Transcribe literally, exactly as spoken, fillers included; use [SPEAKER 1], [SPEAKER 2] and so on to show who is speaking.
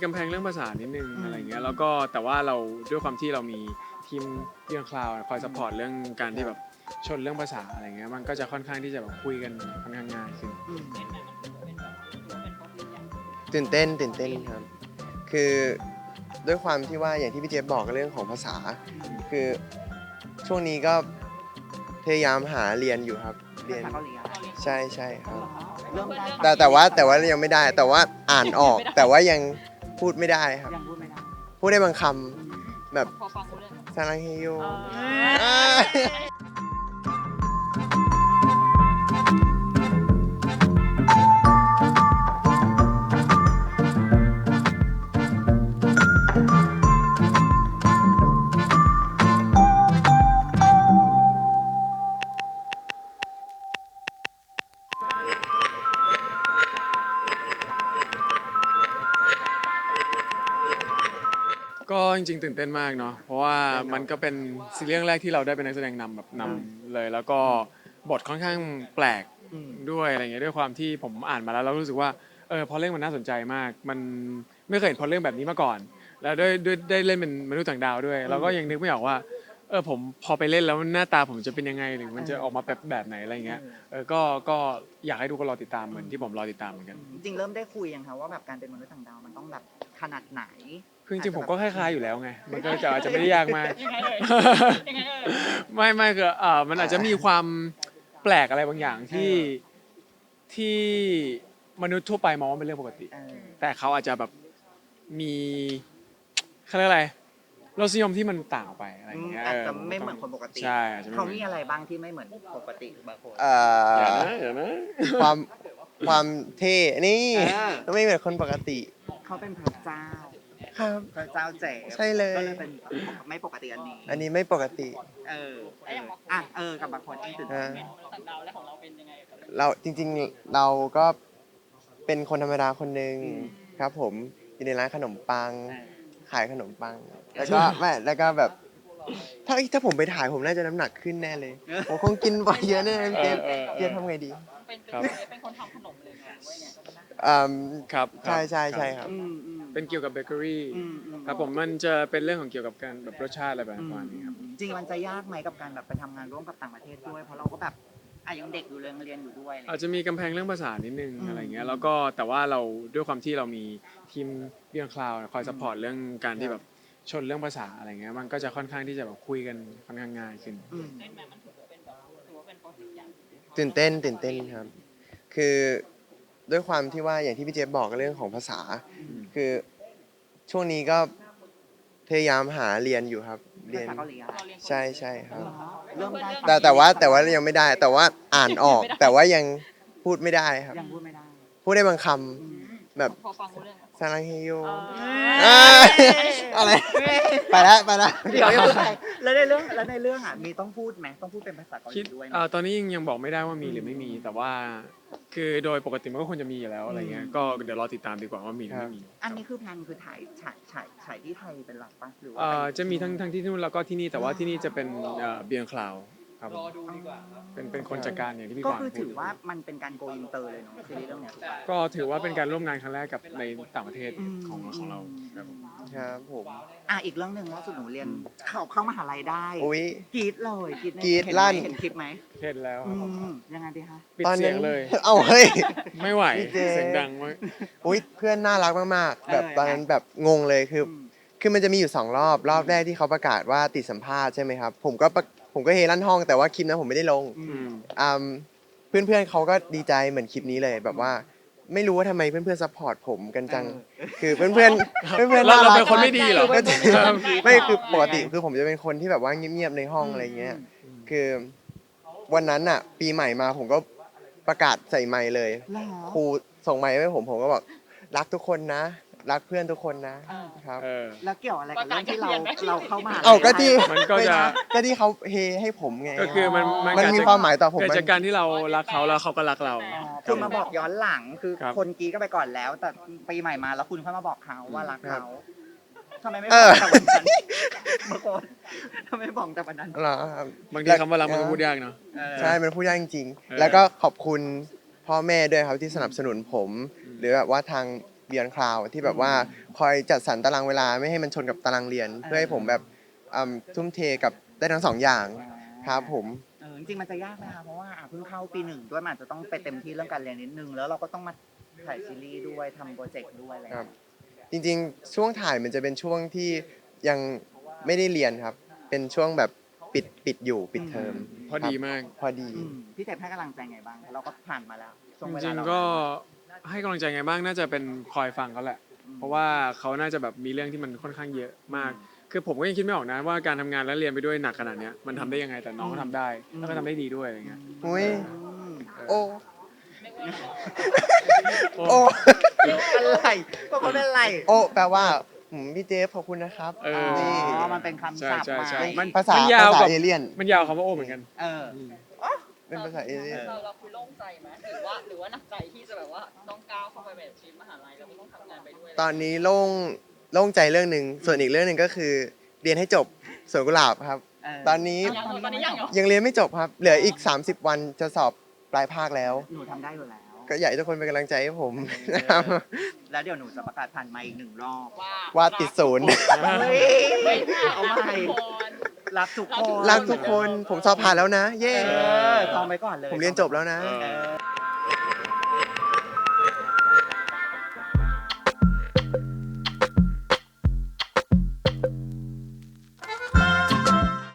[SPEAKER 1] กำแพงเรื่องภาษานิดนึงอะไรเงี้ยแล้วก็แต่ว่าเราด้วยความที่เรามีทีมเรื่องคลาวคอยซัพพอร์ตเรื่องการที่แบบชนเรื่องภาษาอะไรเงี้ยมันก็จะค่อนข้างที่จะแบบคุยกันค่อนข้างง่ายขึ้น
[SPEAKER 2] ตื่นเต้นตื่นเต้นครับคือด้วยความที่ว่าอย่างที่พี่เจฟบอกเรื่องของภาษาคือช่วงนี้ก็พยายามหาเรียนอยู่ครับเรียนใช่ใช่ครับแต่แต่ว่าแต่ว่ายังไม่ได้แต่ว่าอ่านออกแต่ว่ายังพูดไม่ได้ครับ
[SPEAKER 3] ยังพูดไม่ได้
[SPEAKER 2] พูดได้บางคำแบบซาลังเฮโย
[SPEAKER 1] ก็จริงๆตื่นเต้นมากเนาะเพราะว่ามันก็เป็นซีรีส์เรื่องแรกที่เราได้เป็นนักแสดงนำแบบนำเลยแล้วก็บทค่อนข้างแปลกด้วยอะไรเงี้ยด้วยความที่ผมอ่านมาแล้วเรารู้สึกว่าเออพอเรื่องมันน่าสนใจมากมันไม่เคยเห็นพอเรื่องแบบนี้มาก่อนแล้วด้วยด้วยได้เล่นเป็นมนุษย์ต่างดาวด้วยเราก็ยังนึกไม่ออกว่าเออผมพอไปเล่นแล้วหน้าตาผมจะเป็นยังไงหรือมันจะออกมาแบบแบบไหนอะไรเงี้ยเออก็ก็อยากให้ทุกคนรอติดตามเหมือนที่ผมรอติดตามเหมือนกัน
[SPEAKER 3] จริงๆเริ่มได้คุยยังคะว่าแบบการเป็นมนุษย์ต่างดาวมันต้องแบบขนาดไหน
[SPEAKER 1] คือจริงๆผมก็คล้ายๆอยู่แล้วไงมันก็จะอาจจะไม่ได้ยากมาก
[SPEAKER 4] ยังไงเอ่ยยังไงเอ่ย
[SPEAKER 1] ไม่ไม่คืออ่ามันอาจจะมีความแปลกอะไรบางอย่างที่ที่มนุษย์ทั่วไปมองว่าเป็นเรื่องปกติ
[SPEAKER 3] เออ
[SPEAKER 1] แต่เขาอาจจะแบบมีเขาเรียกอะไรรสนิยมที่มันต่างออกไปอะไรอย่างเงี้ย
[SPEAKER 3] อาจจะไม่เหมือนคนปกติ
[SPEAKER 1] ใช่อาจจะไม่
[SPEAKER 3] เขา
[SPEAKER 1] เหมือน
[SPEAKER 3] มีอะไรบ้างที่ไม่เหมือนปกติบางคน
[SPEAKER 2] เอ่
[SPEAKER 1] อย่า
[SPEAKER 2] อ
[SPEAKER 1] นะอย่านะ
[SPEAKER 2] ความความเท่นี่
[SPEAKER 3] อ่า
[SPEAKER 2] ไม่เหมือนคนปกติ
[SPEAKER 3] เขาเป็นพระเจ้า
[SPEAKER 2] ครับ
[SPEAKER 3] พระเจ้าเจ๋
[SPEAKER 2] ใช่เลย
[SPEAKER 3] ก็เลยเป็นไม่ปกติอันนี้
[SPEAKER 2] อันนี้ไม่ปกติ
[SPEAKER 3] เออเอออ่ะเออกับบางคนเองตื่นเต้นไหม
[SPEAKER 4] ต่างดาวและของเราเป็นยังไงกับ
[SPEAKER 2] เราจริงๆเราก็เป็นคนธรรมดาคนหนึ่งครับผมอยู่ในร้านขนมปัง
[SPEAKER 3] เออ
[SPEAKER 2] ขายขนมปัง แล้วก็ไม่แล้วก็แบบถ้าถ้าผมไปถ่ายผมน่าจะน้ำหนักขึ้นแน่เลยผมคงกินไปเยอะแน่เลยพี่เจฟ
[SPEAKER 1] เออเออเออ
[SPEAKER 2] เจฟทำไงดี
[SPEAKER 4] เป็น
[SPEAKER 1] ครับ
[SPEAKER 4] เป็นคนทำขนมเลยไงว่าไง
[SPEAKER 2] อืม
[SPEAKER 1] ครับ
[SPEAKER 2] ใช่ใช่ใช่ครับ
[SPEAKER 3] อืมอืม
[SPEAKER 1] เป็นเกี่ยวกับเบเกอรี่
[SPEAKER 3] อืมอืม
[SPEAKER 1] ครับผมมันจะเป็นเรื่องของเกี่ยวกับการแบบรสชาติอะไรแบบประมาณนี้ครับ
[SPEAKER 3] จริงๆมันจะยากไหมกับการแบบไปทำงานร่วมกับต่างประเทศด้วย เพราะเราก็แบบอ่ะยังเด็กอยู่เลยยังเรียนอยู่ด้วยอะไร
[SPEAKER 1] อาจจะมีกำแพงเรื่องภาษานิดนึง
[SPEAKER 3] อืม
[SPEAKER 1] อะไรเงี้ยแล้วก็แต่ว่าเราด้วยความที่เรามีทีมเรื่องคลาวคอยซัพพอร์ตเรื่องการที่แบบชนเรื่องภาษาอะไรเงี้ยมันก็จะค่อนข้างที่จะแบบคุยกันค่อนข้างง่ายขึ้น
[SPEAKER 3] อืม
[SPEAKER 4] เล่นมามันถือว่าเป็นแบบถือว่าเป็นโปรเจกต์ใหญ่
[SPEAKER 2] ตื่นเต้นตื่นเต้นครับ คือด้วยความที่ว่าอย่างที่พี่เจฟบอกเรื่องของภาษา คือช่วงนี้ก็พยายามหาเรียนอยู่ครับ เรียน
[SPEAKER 3] ภาษาเกาหลีอะ
[SPEAKER 2] ใช่ใช่ครับ
[SPEAKER 3] เริ่มได้
[SPEAKER 2] แต่แต่ว่าแต่ว่ายังไม่ได้ แต่ว่าอ่านออก แต่ว่ายังพูดไม่ได้ครับ
[SPEAKER 3] ยังพูดไม่ได้
[SPEAKER 2] พูดได้บางค
[SPEAKER 3] อืม
[SPEAKER 2] ำแบบ
[SPEAKER 4] พอฟังรู้เรื่อง
[SPEAKER 2] ซาลังเฮโย
[SPEAKER 3] เอ้ย
[SPEAKER 2] อะไรไปแล้วไปแล้ว
[SPEAKER 3] เดี๋ยวยังไงแล้วในเรื่องแล้วในเรื่องอ่ะมีต้องพูดไหมต้องพูดเป็นภาษาเกาห
[SPEAKER 1] คิ
[SPEAKER 3] ลี
[SPEAKER 1] ด
[SPEAKER 3] ด้วยไหม
[SPEAKER 1] เอ่อตอนนี้ยังยังบอกไม่ได้ว่ามีหรือไม่มี แต่ว่าคือโดยปกติมันก็ควรจะมีอยู่แล้วอะไรเงี้ยก็เดี๋ยวรอติดตามดีกว่าว่ามีหรือไม่มี
[SPEAKER 3] อันนี้คือแพลนคือถ่ายฉายฉายฉายที่ไทยเป็นหลักปะหรือว่า
[SPEAKER 1] เอ่อ
[SPEAKER 3] เป็น
[SPEAKER 1] จะมีทั้งทั้งที่นู่นแล้วก็ที่นี่แต่ว่าที่นี่จะเป็นเบียงคลาวครับผม
[SPEAKER 4] รอดูดีกว่า
[SPEAKER 1] เป็นเป็นคนจัดการอย่างที่พี่
[SPEAKER 3] ก็
[SPEAKER 1] กวาง
[SPEAKER 3] คือ
[SPEAKER 1] พู
[SPEAKER 3] ถื
[SPEAKER 1] ด
[SPEAKER 3] อว่ามันเป็นการโกอินเตอร์เลยเนาะซีรีส์เรื่องเนี้ยถูกปะ
[SPEAKER 1] ก็ถือว่าเป็นการร่วมงานครั้งแรกกับในต่างประเทศของของเราครับผม
[SPEAKER 2] ครับผม
[SPEAKER 3] อ่ะอีกเรื่องหนึ่งล่าสุดหนูเรียนเข้าเข้ามหาลัยได้
[SPEAKER 2] อุ้ย
[SPEAKER 3] กรีดเลยกรีดใน
[SPEAKER 2] กรี๊ด
[SPEAKER 3] เห็นไหม
[SPEAKER 2] ลั่น
[SPEAKER 3] เห็นคลิปไหม
[SPEAKER 1] เห็นแล้วค
[SPEAKER 3] อื
[SPEAKER 1] รับผม
[SPEAKER 3] มยังไงดีคะ
[SPEAKER 1] ปิดเสียงเลย
[SPEAKER 2] เอาเฮ้ย
[SPEAKER 1] ไม่ไหว
[SPEAKER 2] พี่เจ
[SPEAKER 1] เสียงดังมาก
[SPEAKER 2] อุ้ยเพื่อนน่ารักมากๆ แบบ
[SPEAKER 3] เออ
[SPEAKER 2] ตอนนั้นแบบงงเลยคือ
[SPEAKER 3] อืม
[SPEAKER 2] คือมันจะมีอยู่สองรอบ รอบแรกที่เขาประกาศว่าติดสัมภาษณ์ใช่ไหมครับ ผมก็ประผมก็เฮลั่นห้องแต่ว่าคลิปนั้นผมไม่ได้ลง
[SPEAKER 3] อื
[SPEAKER 1] อื
[SPEAKER 3] ม
[SPEAKER 1] ม
[SPEAKER 2] อืมเพื่อนๆเขาก็ดีใจเหมือนคลิปนี้เลยแบบว่า ไม่รู้ว่าทำไมเพื่อนๆซัพพอร์ตผมกันจัง คือเพื่อนๆเพื่อนๆเพื่อนๆ
[SPEAKER 1] เรา
[SPEAKER 2] น่า
[SPEAKER 1] เรา
[SPEAKER 2] รัก
[SPEAKER 1] เป็นคนไม่ดีเหรอ
[SPEAKER 2] ก็จริง
[SPEAKER 1] ครับ
[SPEAKER 2] ไม่คือปกติคือผมจะเป็นคนที่แบบว่าเงียบๆในห้องอะไรเงี้ย คือวันนั้นอ่ะ ปีใหม่มาผมก็ประกาศใส่ไมค์เลย
[SPEAKER 3] เหรอ
[SPEAKER 2] ครูส่งไมค์ให้ผมผมก็บอกรักทุกคนนะ รักเพื่อนทุกคนนะ
[SPEAKER 3] อ่า
[SPEAKER 2] ครับ
[SPEAKER 1] เออ
[SPEAKER 3] แล้วเกี่ยวอะไรกับเรื่องที่เราเราเข้ามหาลัย
[SPEAKER 2] เอ้าก็ที่
[SPEAKER 1] มันก็จะ
[SPEAKER 2] ก็ที่เขาเฮให้ผมไง
[SPEAKER 1] ก็คือมันมัน
[SPEAKER 2] มัน
[SPEAKER 1] เกิด
[SPEAKER 2] มี
[SPEAKER 1] จาก
[SPEAKER 2] ความหมายต่อผม
[SPEAKER 1] เกิด
[SPEAKER 2] มัน
[SPEAKER 1] จากการที่เรารักเขาแล้วเขาก็รักเรา
[SPEAKER 3] อ๋อคือมาบอกย้อนหลังคือ
[SPEAKER 1] ครับ
[SPEAKER 3] คนกรีดก็ไปก่อนแล้ว แต่ปีใหม่มาแล้วคุณค่อยมาบอกเขาว่ารักเขาทำไมไม่บ
[SPEAKER 2] เอ
[SPEAKER 3] อก
[SPEAKER 2] อ
[SPEAKER 3] แต่วันนั้นบางคนทำไมไม่บอกแต่วันนั้น
[SPEAKER 2] เหรอครับ
[SPEAKER 1] บางทีคำว่ารักมันก็พูดยากเนาะ
[SPEAKER 3] เออ
[SPEAKER 2] ใช่มันพูดยากจริง
[SPEAKER 1] เออ
[SPEAKER 2] ๆแล้วก็ขอบคุณพ่อแม่ด้วยครับที่สนับสนุนผม หรือแบบว่าทาง Beyond Cloud ที่แบบว่าคอยจัดสรรตารางเวลาไม่ให้มันชนกับตารางเรียน เพื่อให้ผมแบบอืมทุ่มเทกับได้ทั้งสองอย่างครับผม
[SPEAKER 3] เออจริงๆมันจะยากไหมคะเพราะว่าอ่ะเพิ่งเข้าปีหนึ่งด้วยมันอาจจะต้องไปเต็มที่เรื่องการเรียนนิดนึงแล้วเราก็ต้องมาถ่ายซีรีส์ด้วยทำโปรเจกต์ด้วยอะไรอย่าง
[SPEAKER 2] ครั
[SPEAKER 3] เงี้
[SPEAKER 2] บ
[SPEAKER 3] ย
[SPEAKER 2] จริงๆ ช่วงถ่ายมันจะเป็นช่วงที่ยังไม่ได้เรียนครับ เป็นช่วงแบบปิดปิดอยู่ปิดเทอม
[SPEAKER 1] พอดีมาก
[SPEAKER 2] พอดี
[SPEAKER 3] อืมพี่เจ็บให้กำลังใจไงบ้างเราก็ผ่านมาแล้วช่วง
[SPEAKER 1] จ
[SPEAKER 3] เวลา
[SPEAKER 1] ริง
[SPEAKER 3] เรา
[SPEAKER 1] ๆก็ให้กำลังใจไงบ้างน่าจะเป็นคอยฟังเขาแหละ เพราะว่าเขาน่าจะแบบมีเรื่องที่มันค่อนข้างเยอะมาก คือผมก็ยังคิดไม่ออกนะว่าการทำงานและเรียนไปด้วยหนักขนาดเนี้ยมันทำได้ยังไงแต่น้องก็ทำได้แล้วก็ทำได้ดีด้วยอะไรเงี้ย
[SPEAKER 2] อุ้ย
[SPEAKER 3] อืม
[SPEAKER 2] โอ้
[SPEAKER 1] โอ้
[SPEAKER 2] โอ้
[SPEAKER 3] อะไรก็คนเป็นไร
[SPEAKER 2] โอ้แปลว่าหืมพี่เจฟขอบคุณนะครับ
[SPEAKER 1] เอ
[SPEAKER 3] อ๋
[SPEAKER 1] อ
[SPEAKER 3] อมันเป็นคำศัพท์
[SPEAKER 1] ใช่ใช่
[SPEAKER 3] มา
[SPEAKER 1] ใช่มัน
[SPEAKER 2] ภาษา
[SPEAKER 1] มันยาว
[SPEAKER 2] ภาษาก
[SPEAKER 1] ว่า
[SPEAKER 2] เอเลี่ยน
[SPEAKER 1] มันยาวคำว่าโอ้เหมือนกัน
[SPEAKER 3] เออ
[SPEAKER 2] เป็นภาษาเอเลี่ยน
[SPEAKER 4] เราเราคือโล่งใจไหมหรือว่าหรือว่าหนักใจที่จะแบบว่าต้องก้าวเข้าไปแบบชีวิตมหาลัยแล้วก็ต้องทำงานไปด้วย
[SPEAKER 2] ตอนนี้โล่งโล่งใจเรื่องหนึ่งส่วนอีกเรื่องหนึ่งก็คือ เรียนให้จบสวนกุหลาบครับ
[SPEAKER 3] เออ
[SPEAKER 2] ตอนนี้
[SPEAKER 4] ยังตอนนี้ยังเหรอ
[SPEAKER 2] ยังเรียนไม่จบครับ เหลืออีก สามสิบ วันจะสอบปลายภาคแล้ว
[SPEAKER 3] หนูทำได้อยู่แล้ว
[SPEAKER 2] ก็อยากให้ทุกคนเป็นกำลังใจให้ผมนะครับ
[SPEAKER 3] แล้วเดี๋ยวหนูจะประกาศผ่านไมค์อีกหนึ่งรอบ
[SPEAKER 4] ว่า
[SPEAKER 2] ว่าติดศูนย์
[SPEAKER 3] เฮ้ย
[SPEAKER 4] ไม่ได้
[SPEAKER 3] เอาใหม่ รักทุกคน
[SPEAKER 2] รักทุกคน ผมสอบผ่านแล้วนะ เย้
[SPEAKER 3] เออทองไปก่อนเลย
[SPEAKER 2] ผมเรียนจบแล้วนะ
[SPEAKER 1] เออ
[SPEAKER 3] เออ